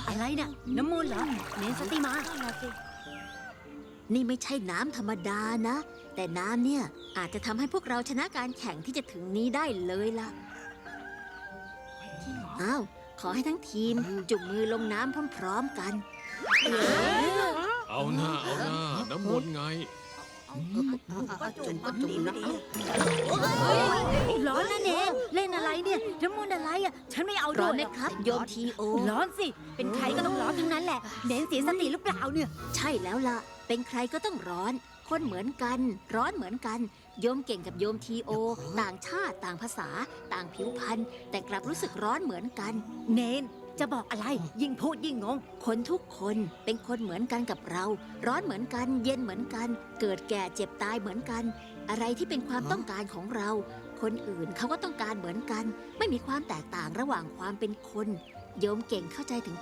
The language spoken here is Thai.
อะไรเนี่ยน้ำมูลเหรอเนนสติมานี่ไม่ใช่น้ำธรรมดานะ แต่น้ำเนี่ยอาจจะทำให้พวกเราชนะการแข่งที่จะถึงนี้ได้เลยล่ะอ้าวขอให้ทั้งทีมจุ่มมือลงน้ำพร้อมๆกันเอาหน้าน้ำมนต์ไงจุ่มก็จุ่มนะร้อนนะเนนเล่นอะไรเนี่ยน้ำมูลอะไรอ่ะฉันไม่เอาด้ร้อวน ยไหมครับโยมทีโอร้อนสิ เป็นใครก็ต้องร้อนทั้งนั้นแหละ เน้นเสียสติหรือเปล่าเนี่ยใช่แล้วล่ะ เป็นใครก็ต้องร้อน คนเหมือนกัน ร้อนเหมือนกัน โยมเก่งกับโยมทีโอ ต่างชาติ ต่างภาษา ต่างผิวพรรณ แต่กลับรู้สึกร้อนเหมือนกันเนนจะบอกอะไร ยิ่งพูดยิ่งงงคนทุกคนเป็นคนเหมือนกันกับเรา ร้อนเหมือนกัน เย็นเหมือนกัน เกิดแก่เจ็บตายเหมือนกัน อะไรที่เป็นความต้องการของเรา คนอื่นเขาก็ต้องการเหมือนกัน ไม่มีความแตกต่างระหว่างความเป็นคน โยมเก่งเข้าใจถึง